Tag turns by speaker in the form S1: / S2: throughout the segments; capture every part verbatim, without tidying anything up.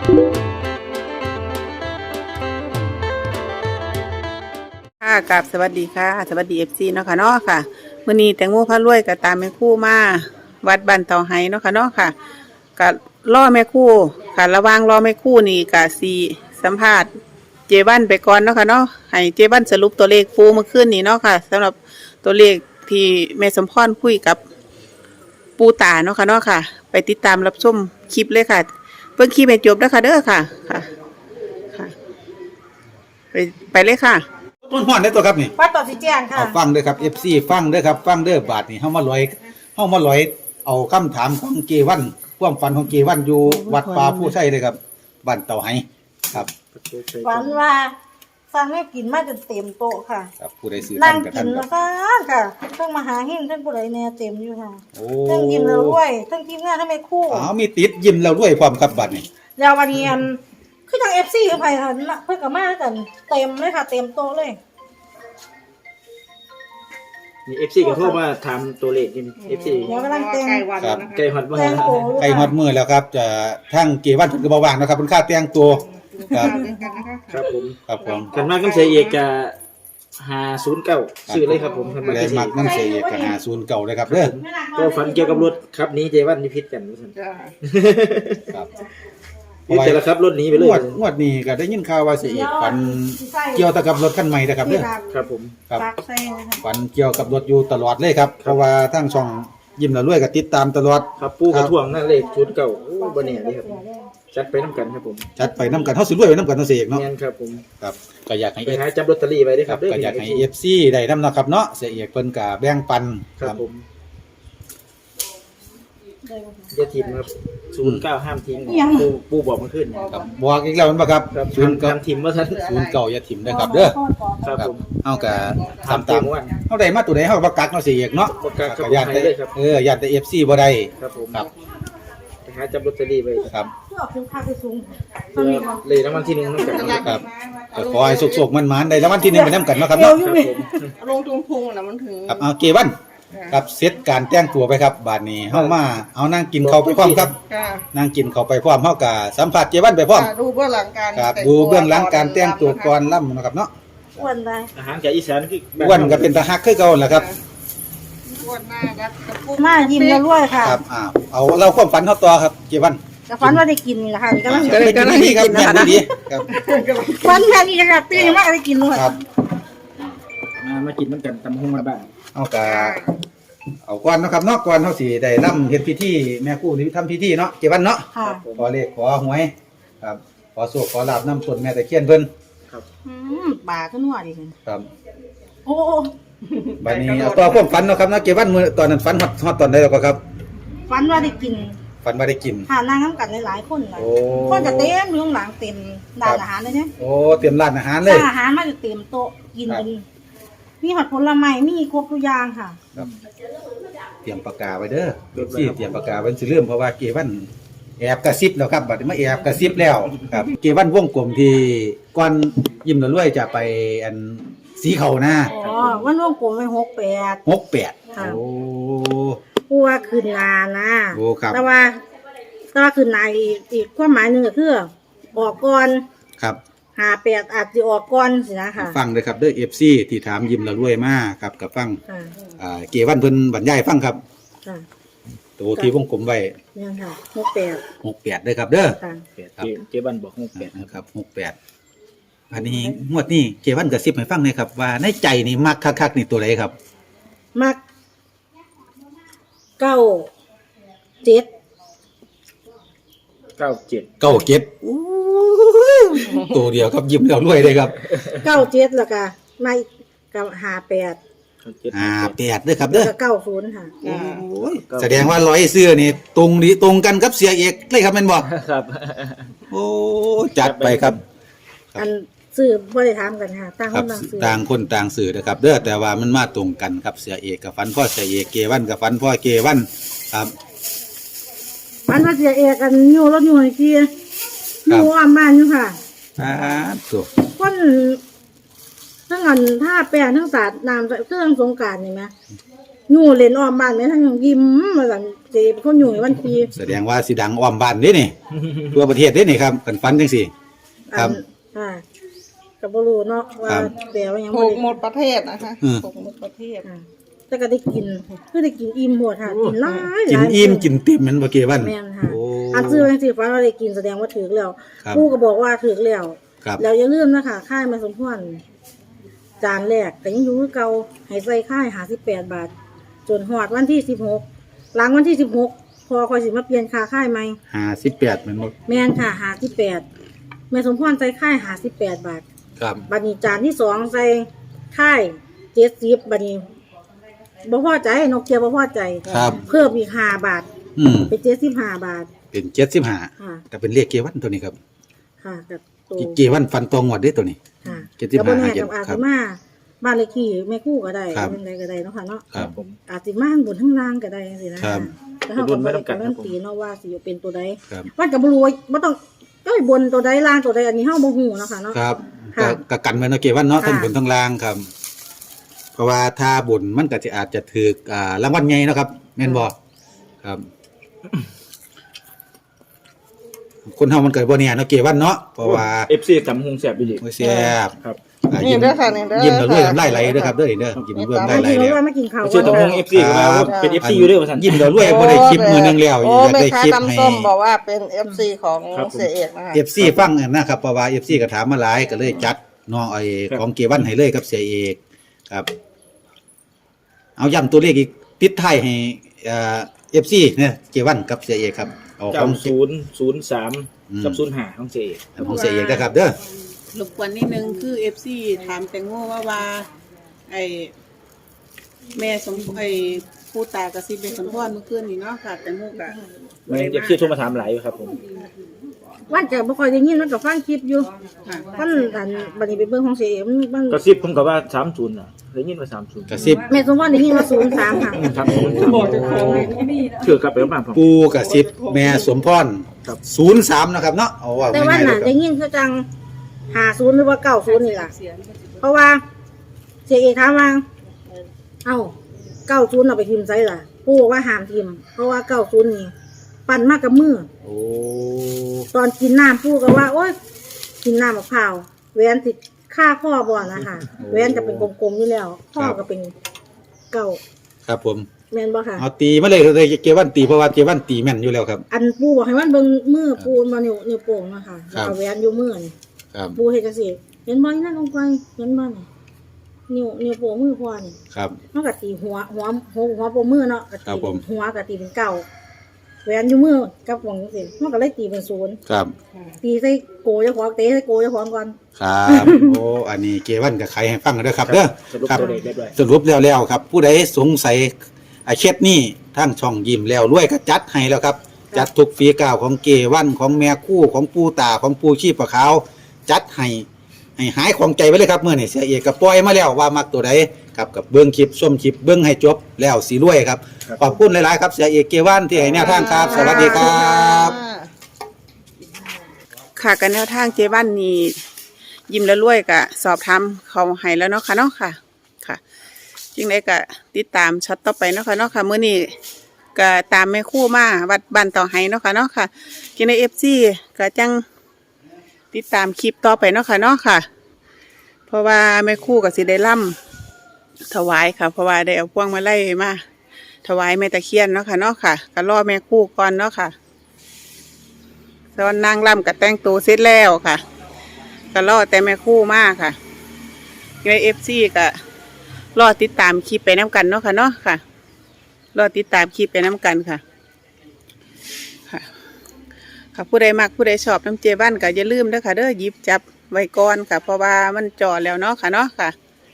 S1: ค่ะกับสวัสดีค่ะสวัสดีเอฟซีเนาะค่ะเนาะค่ะมื้อนี้แตงโมพารวยก็ตามแม่ครู่มาวัดบ้านเตาไห้เนาะค่ะเนาะค่ะก็รอแม่ครู่ค่ะระหว่างรอแม่ครู่นี่ก็สิสัมภาษณ์เจวันไปก่อนเนาะค่ะเนาะให้เจวันสรุปตัวเลขปูเมื่อคืนนี้เนาะค่ะสำหรับตัวเลขที่แม่สมพรคุยกับปูตาเนาะค่ะเนาะค่ะไปติดตามรับชมคลิปเลยค่ะเบิ่งคลิปให้จบเด้อค่ะเด้อค่ะค่ะค่ะไปไปเลยค่ะ
S2: ต้นห้อนได้ตัวครับนี่
S3: วัดต่อสีแจ้งค่ะ
S2: เอาฟังเด้อครับ เอฟ ซี ฟังเด้อครับฟังเด้อบาทนี่เฮามาลอยเฮามาลอยเอาคำถามของเกวันความฝันของเกวันอยู่วัดป่าผู้ใช้เลยครับบ้านเต่าไห้ครับ
S3: ฝันว่าสั่งให้กินมาจนเต็มโต๊ะค่ะ
S2: ครับผู้ใดซื้อ
S3: นั่
S2: ท่าง นกับ
S3: กิ
S2: ท่าน
S3: น
S2: ค
S3: แล้
S2: รั
S3: ว
S2: บ
S3: ก็ค่ะเพิ่งมาหาหิ้งเพิ่งผู้ใดแน่เต็มอยู่ค่ะ
S2: โอ้
S3: เพิ่งยิ้มแล้วด้วยเพิ่งทีมงานทั้งแม่คู่
S2: อ้าวมีติดยิ้มแล้วด้วยความครับบัดนี่
S3: ยาววันนี้อันคือทางเอฟซีคือไผ่ค่ะเพิ่งกับมากันเต็มเลยค่ะ เต็มโต๊ะเลย
S4: มีเอฟซีก็โทรมาถามตัวเลขนี่เอฟซี
S3: เดี๋ยวกำลังเต็ม
S2: ครับ
S4: ไก่ฮอดมา
S3: เต็มโต๊ะ
S2: ใกล้ฮอดมือแล้วครับจะทั้งเกวันเพิ่นก็บ่ว่างนะครับเพิ่นค่าแต่งตัวครับ
S4: ครับผม
S2: ครับผม
S4: กันมากกันเสียเอกจะหาศูนย์เก้าซื้อเลยครับผมกันมา
S2: แล
S4: กัน
S2: น
S4: เสี
S2: มั
S4: ย
S2: ก
S4: เอก
S2: นำเสียเอกก็หาศูนย์เก่าเลยครับเด้อ
S4: ก็ฝันเกี่ยวกับรถครับนี้เจวันนิพิษกันว่าซั่น
S2: ครับ
S4: นี่แต่ละครับรถหนี้ไปเล
S2: ง
S4: ยว
S2: ดงวดนี้ก็ได้ยินข่าวว่าเสียเอกฝันเกี่ยวกับรถคันใหม่นะครับเด้อ
S4: ครับผม
S2: ครับ
S3: ปากใส่นะคะ
S2: ฝันเกี่ยวกับรถอยู่ตลอดเลยครับ เพราะว่าทั้งช่องยิ้มละรวยก็ติดตามตลอด
S4: ครับปูกระท่วงนั่นเลขศูนย์เก้าโอ้บ่แน่เลยครับจัดไปน้ำกันครับผม
S2: จัดไปน้ำกันเฮาสิรวยไปน้ำกันเนาะเสียเอกเนาะ
S4: แม่นครับผม
S2: ครับก็อยากให้
S4: ไป
S2: เอฟ
S4: หาจับลอตเตอรี่ไว้ด้วย
S2: ค
S4: ค
S2: รั
S4: รั
S2: บบ ก็อยากให้ เอฟ ซี ได้นำเนาะครับเนาะเสียเอกเพิ่นก็แบ่งปัน
S4: ครับผมอย่าทิ้งครับศูนย์เก้าห้ามทิ้งปูปูบอกมาขึ้นเนี่ย
S2: ครับบอกอีกแล้วแม่นบ่ครับ
S4: ครับ
S2: ศูนย์เก้า
S4: ห้ามทิ้งว่าท่าน
S2: ศูนย์เก้าอย่าถิ่มนะครับเด้อ
S4: ครับผม
S2: เฮาก็
S4: ถาม
S2: ทำตาม
S4: เพียงว่า
S2: เฮาได้มาตัวใดเฮาก็บ่กักเนาะเสียเอกเนาะ
S4: บ่กักครับ
S2: ก็ย่านแต่
S4: ให้เลยครับ
S2: เออย่านแต่ เอฟ ซี บ่ได้
S4: ครับผม
S2: ครับ
S4: ไปหาจับลอตเตอรี่ไว้
S2: ครับ
S3: เพื่อคุ้มค่าไปสูง
S4: เพื่อเลยรางวัลที่หนึ่งน้ำกันนะ
S2: ค
S4: ค
S2: รั
S4: รั
S2: บบ ก็ขอให้สุกๆมันๆได้รางวัลที่หนึ่งไปนํกันเนาะครับเนาะ
S4: ครับผม
S5: ลงทุนพุงนะมันถึง
S2: ครับเอาเกวันครับเซตการแต่งตัวไปครับบาดนี้เฮามาเอานั่งกินข้าวไปพร้อมครับ
S5: ค่ะ
S2: นั่งกินข้าวไปพร้อมเฮาก็สัมผัสเจวันไปพร้อม
S5: ดูเบื้องหลังการ
S2: ครับ
S5: แต่ง
S2: ดูเบื้องหลังการแต่งตัว
S5: ำ
S2: ก่อนล่ำนะครับเนาะ
S3: อ้วนได้
S4: อาหารจากอีสานคือแบบ
S2: อ้วนก็เป็นตาฮักคือเก่าแหละครับ
S5: อ้วนหน้ารัดกระปุก
S3: หน้ายิ้มแล้วด้วยค่ะ
S2: ครับอ้าวเอาเราความฝันเฮาต่อครับเจวัน
S3: แต่ฝันว่าได้กินนี่แหละค่ะนี่กำลัง
S2: เป็นดีครับแม่นดีครับ
S3: ฝันแค่นี้จะกลับตื่นมากได้กินด้วย
S2: ครับ
S4: มามากินน้ำกันตำหุ้งมาบ้าง
S2: เอากะเอาก่อนเนาะครับเนาะก่อนเฮาสิได้ร่ำเฮ็ดพิธีแม่ครู่นี่ทำพิธีเนาะเจวันเนาะ
S3: ค่ะ
S2: ขอเลขขอหวยครับขอโชคขอลาบนำต้นแม่ตะเคียนเพิ่น
S3: อืมป่าก็นัวดีกัน
S2: ครับ
S3: โอ้
S2: บัดนี้เอาต่อความฝันเนาะครับเนาะเจวันมื้อตอนนั้นฝันฮอดฮอดตอนใดแล้วก็ครับ
S3: ฝันว่าได้กิน
S2: ฝันว่าได้กิน
S3: หานางน้ำกันหลายๆคนเลย
S2: โอ้
S3: คนจะเต็มอยู่ข้างหลังเต็มร้านอาหารเลยเนี่ย
S2: โอ้เตรียมร้านอาหารเลย
S3: ร้านอาหารมาจะเต็มโต๊ะกินกันมีหอดผลไม้มีครบทุกอย่างค่ะ
S2: ครับเตรียมปากกาไว้เด้อเดี๋ยวสิเตรียมปากกาไว้สิเริ่มเพราะว่าเกวันแอบกระซิบแล้วครับบัดนี้มาแอบกระซิบแล้วครับเกวันวงกลมที่ก่อนยิ้มละรวยจะไปอันสีเขาหน้า
S3: อ๋อวันร่วงกลมไปหกแปด
S2: หกแปด
S3: ค่ะ
S2: โอ้
S3: กลัวคืนนานะ
S2: โอ้ครับ
S3: แต่ว่าแต่ว่าคืนนาอีกอีกความหมายหนึ่งก็คือออกก่อน
S2: ครับ
S3: หาแปดอาจจะออกก่อนสินะค่ะ
S2: ฟังเลยครับเด้อ เอฟ ซี ที่ถามยิ้มละรวยมาครับกับฟัง
S3: ค่ะ
S2: อ่าเกวันเพิ่นบรรยายฟังครับ
S3: ค่ะ
S2: ตัวที่วงกลมไว้
S3: เนี่ยค่ะหกแปด
S2: หกแปดเด้อครับเด้อ
S3: ค่ะ
S2: ครับ
S4: เจเจบันบอกหกแปด
S2: นะครับหกแปดอันนี้งวดนี้เกวันกระซิบให้ฟังหน่อยครับว่าในใจนี่มักคักๆนี่ตัวไหนครับ
S3: มักเก้าเจ็ด
S4: เก้าเจ็ด
S2: เก้าเจ็ดตัวเดียวครับยิ้มแล้วรวยเลยครับ
S3: เก้าเจ็ดแล้วก็มาอีกกับหาแปด
S4: เก้าเจ็ด
S2: อ่าแปดเด้อครับ
S3: แล้ว
S2: เด้อ
S3: ก็เก้าศูนย์ค่ะ
S2: โอ้ยแสดงว่าร้อยเสื้อนี่ตรงนี้ตรงกันกับเสียเอกเลยครับแม่นบ่
S4: ครับ
S2: โอ้จัดไปครับ
S3: อันซื้อบริถามกันค่ะต่าง
S2: ค
S3: ครับ นต่างซื้อ
S2: ต่างคนต่างสื่อนะครับเด้อแต่ว่ามันมาตรงกันครับเสียเอกกับฟันพ่อเสียเอกเกวันกับฟันพ่อเกวันครับ
S3: มันว่าเสียเอกกันอยู่รถอยู่ไอ้ที่อยู่อาบ้านอยู่ค่ะ
S2: อ่าตัว
S3: คนทั้งอันท่าแปรทั้งศาสตร์น้ำเครื่องสงกรารนี่ไหมอยู่เล่นอ้อมบ้านแม่ทั้งยิ้มมาสั่นเจ็บคนอยู่ในวันที
S2: แสดงว่าสิดังอ้อมบ้านเด้นี่ ทั่วประเทศเด้นี่ครับกันฟันจังซี่ ครับ
S3: อ่าก็บ่รู้เนาะว่าแต่ว่ายัง
S5: ถู
S3: บ่
S5: ก
S3: ได้
S5: หมดประเทศนะคะ
S2: อืม
S5: ถูกหมดประเทศ
S3: อ่าแต่ก็ได้กินคือได้กินอิ่มหมดค่ะกินหลายห
S2: กิน
S3: ลาย
S2: อิ่มกินเต็มแมันบ่เกวัน
S3: แม่นค่ะ
S2: โอ้
S3: อันซื้อจังซี่ฟ้าว่าได้กินแสดงว่าถูกแล้ว
S2: ครับ
S3: ผู้ก็บอกว่าถูกแล้ว
S2: ครับ
S3: แล้วอย่าลืมนะคะค่ายแม่สมพรจานแรกก็ยังอยู่คือเก่าให้ใส่ค่ายห้าสิบแปดบาทจนฮอดวันที่สิบหกหลังวันที่สิบหกพอค่อยสิมาเปลี่ยนค่าค่ายใหม่
S2: ห้าสิบแปดแมันบ่
S3: แม่นค่ะห้าสิบแปดแม่สมพรใส่ค่ายห้าสิบแปดบาท
S2: ครับ
S3: บัดนี้จานที่สองใส่ค่ายเจ็ดสิบบัดนี้บ่พอใจนกเกียวบ่พอใจ
S2: ครับ
S3: เพิ่มอีกห้าบาท
S2: อืม
S3: เป็นเจ็ดสิบห้าบาท
S2: เป็นเจ็ดสิบห้า
S3: ค่ะ
S2: ก็เป็นเลขเกวันตัวนี้ครับ
S3: ค่ะกับตัว
S2: เกวันฟันตรงงวดเด้ตัวนี้
S3: ค่ะ
S2: เจ็ดสิบ
S3: กั
S2: ห้า
S3: บ่แน่
S2: เจ็ด
S3: กับอา
S2: ครั
S3: สิ
S2: บ
S3: มาบ้านเลขที่แม่คู่ก็ได้
S2: ครับ
S3: เป็นใดก็ได้เนาะค่ะเนาะ
S2: ครับ
S4: ผม
S3: อาจสิมาข้างบนข้างล่างก็ได้สินะครับ แล้วเขาก็บ่ได้การันตีเนาะว่าสิเป็นตัวใด
S2: ครับ
S3: ว่าก็บ่รู้ว่าบ่ต้องเอ้ยบนตัวใดล่างตัวใดอันนี้เฮาบ่ฮู้เนาะค่ะเนาะ
S2: ครับ
S3: ค่ะ
S2: ก็ก็กันไว้เนาะเกวันเนาะ
S3: ค่ะ
S2: ทั้งบนทั้งล่างครับ เพราะว่าถ้าบนมันก็จะอาจจะถูกอ่ารางวัลใหญ่เนาะครับ แม่นบ่ครับ คนเฮามันเกิดบ่เนี่ยเนาะเกวันเนาะเพราะว่า
S4: เอฟซีตำหงแสบไปดิ
S2: บ่แซ่บ
S4: ครับ
S2: อ่า
S5: นี่
S2: ยิ้ม
S5: เด้อค่ะนี่เด้อ
S2: ยิ้มแล้วรวยน้ำลายไหลเด้อครับเด้อเด้อยิ้มแล้วรวยน้ำลายไหล
S3: ที่
S2: เด้
S3: เรา
S2: อ
S3: ว่ามากินข้าว
S4: เชื่อตำหงเอฟซีก็มาว่าเป็นเอฟซีอยู่ด้วยว่าสัน
S2: ยิ้มแล้วรวยบ่ได้คลิปมือนึงแล้วอ
S5: โอ้
S2: ยาก
S5: แม่
S2: ได้
S5: ค้า
S2: คลิป
S5: ตำ
S2: ให้
S5: ส้มบอกว่าเป็น เอฟ ซี ของ
S4: ครับผม
S5: เสียเอกนะคะ
S2: เอฟ ซี ฟังนะครับเพราะว่า เอฟ ซี ก็ถามมาหลายก็เลยจัดน้องไอ้ของเกวันให้เลยกับเสียเอกครับ เอาย้ำตัวเลขอีกปิดท้ายให้เอ่อ เอฟ ซี เนี่ยเกวันกับเสียเอกครับเอาข
S4: เก้า
S2: อง
S4: ศูนย์ศูนย์สาม
S2: อืม
S4: กับศูนย์ห้าของเจ
S2: ของเสียเอกนะครับ เด้อ
S1: รบกวนนิดนึงคือ เอฟ ซี ถามแตงโมว่าว่า ไอ้แม่สมไอ้ผู้ตากระซิบเป็นสมพรเมื่อคืนนี้เนาะค่ะแตงโมกะ
S4: แม่เอฟซีโทรมาถามหลายอยู่ครับผม
S3: วันจะบ่ค่อยได้ยินมันก็ฟังคลิปอยู่
S1: ค่ะ
S3: วันอันบัดนี้ไปเบิ่งของเสียเอ็มมัน
S4: กระซิบผมกับว่าสามศูนย์อ่ะได้ยินว่าสามศูนย์
S2: กระซิบ
S3: แม่สมพรได้ยินว่าศูนย์สามค่ะ
S4: ครับผมเชื่อกลับไปบ้านผม
S2: ปูกระซิบแม่สมพร
S4: ครับ
S2: ศูนย์สามนะครับเนาะเอาว่า
S3: แต่ว่า
S2: ง่ายๆเล
S3: น่ะ
S2: ยค
S3: ได้
S2: รับ
S3: ยินคือจังห้าศูนย์หรือว่าเก้าศูนย์นี่ล่ะ เพราะว่าเสียเอกถามว่าเอ้าเก้าศูนย์เอาไปทิมไซล่ะปู่บอกว่าห้ามทิมเพราะว่าเก้าศูนย์นี่ปั่นมากกับมือ
S2: โอ้
S3: ตอนกินน้ำปู่ก็ว่า โอ๊ยกินน้ำมะพร้าวแหวนติดค่าข้อบ่อนะคะแหวนจะเป็นกลมๆนี่แล้วข้อก็เป็นเก้า
S2: ครับผม
S3: แม่นบ่ค่ะ
S2: เอาตีมาเลยเลยเกวันตีเพราะว่าเกวันตีแม่นอยู่แล้วครับ
S3: อันปู่บอกให้มันเบิ่งมือปูมานิ้วนิ้วโป่งนะคะ
S2: ครับ
S3: เอาแหวนอยู่มือนี่
S2: ครับ
S3: ปู่เฮ็ดจังซี่เห็นบ่นี่นั่นลงไปเห็นบ่นี่นิ้วนิ้วโป่งมือพ่อนี่
S2: ครับ
S3: มันก็ตีหัวหัวหัวหัวโป่งมือเนาะก็
S2: ครั
S3: ตี
S2: บผม
S3: หัวก็ตีเป็นเก้าแหวนอยู่มือกับหวงจังซี่มันก็เลยตีเป็นศูนย์
S2: ครับ
S3: ตีใส่โกเจ้าของเตะใส่โกเจ้าของก่อน
S2: ครับ โอ้อันนี้เกวันกับใครให้ฟังกันเด้อครับเด้อ
S4: สรุป
S2: ครับ
S4: ตัวเลขเรียบร้อย
S2: สรุปแล้วแล้วครับ ผู้ใดสงสัยอาเช็ดนี่ทั้งช่องยิ้มแล้วรวยก็จัดให้แล้วครับ จัดทุกฝีก้าวของเกวันของแม่คู่ของปูตาของปูชีพปะขาวจัดให้ให้หายของใจไว้เลยครับเมื่อนี่เสียเอกก็ปล่อยมาแล้วว่ามักตัวใดครับกับเบิ้งคลิปส้มคลิปเบิ้งให้จบแล้วสีรวยครับขอบคุณหลายๆครับเสียเอกเกวันที่ให้แนวทางครับ สวัสดีครับ
S1: ค่ะกันแนวทางเจบ้านนี้ยิ้มแล้วรวยกะสอบถามเขาให้แล้วเนาะค่ะเนาะค่ะค่ะจึงได้กะติดตามช็อตต่อไปเนาะค่ะเนาะค่ะมื้อนี้ก็ตามแม่ครู่มาวัดบ้านต่อให้เนาะค่ะเนาะค่ะจึงได้ เอฟ ซี ก็จังติดตามคลิปต่อไปเนาะค่ะเนาะค่ะ เพราะว่าแม่ครู่ก็สิได้ล่ำถวายค่ะ เพราะว่าได้เอาพวงมาลัยมาถวายแม่ตะเคียนเนาะค่ะเนาะค่ะก็รอแม่ครู่ก่อนเนาะค่ะตอนนางล่ำกับแต่งตัวเสร็จแล้วค่ะก็รอแต่แม่ครู่มากค่ะในเอฟซีก็รอติดตามคลิปไปน้ำกันเนาะค่ะเนาะค่ะรอติดตามคลิปไปน้ำกันค่ะค่ะค่ะผู้ใดมักผู้ใดชอบน้ำเจบ้านก็อย่าลืมเด้อค่ะเด้อหยิบจับไว้ก่อนค่ะ เพราะว่ามันจ่อแล้วเนาะค่ะเนาะค่ะ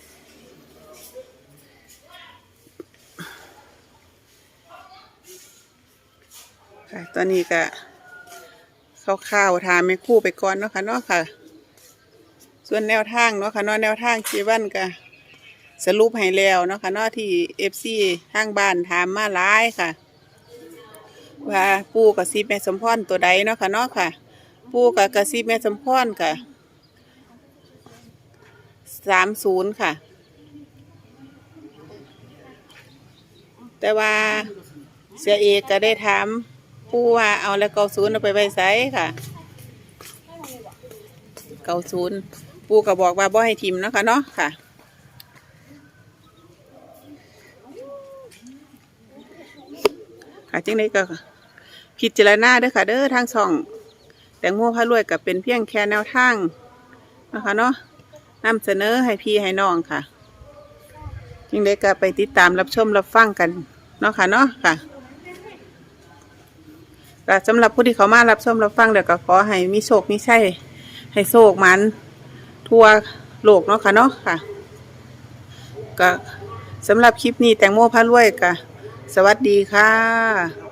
S1: ค่ะตอนนี้ก็ข้าวๆทานไม่คู่ไปก่อนเนาะค่ะเนาะค่ะ ส่วนแนวทางเนาะค่ะเนาะแนวทางเจวันก็สรุปให้แล้วเนาะค่ะเนาะที่เอฟซีทางบ้านถามมาหลายค่ะ ว่าปู่กับซีแม่สมพรตัวใดเนาะค่ะเนาะค่ะ ปู่กับกระซีแม่สมพรค่ะสามศูนย์ค่ะแต่ว่าเสียเอกก็ได้ถามปู่ว่าเอาแล้วเก้าศูนย์เอาไปไว้ไสค่ะเก้าศูนย์ปู่ก็บอกว่าบ่ให้ทิมเนาะค่ะเนาะค่ะค่ะจังไดก็พิจารณาเด้อค่ะเด้อทางช่องแตงโมพารวยก็เป็นเพียงแค่แนวทางนะคะเนาะนำเสนอให้พี่ให้น้องค่ะจังไดก็ไปติดตามรับชมรับฟังกันเนาะค่ะเนาะค่ะก็สำหรับผู้ที่เขามารับชมรับฟังเดี๋ยวก็ขอให้มีโชคมีชัยให้โชคมันทั่วโลกเนาะค่ะเนาะค่ะก็สำหรับคลิปนี้แตงโมพารวยก็สวัสดีค่ะ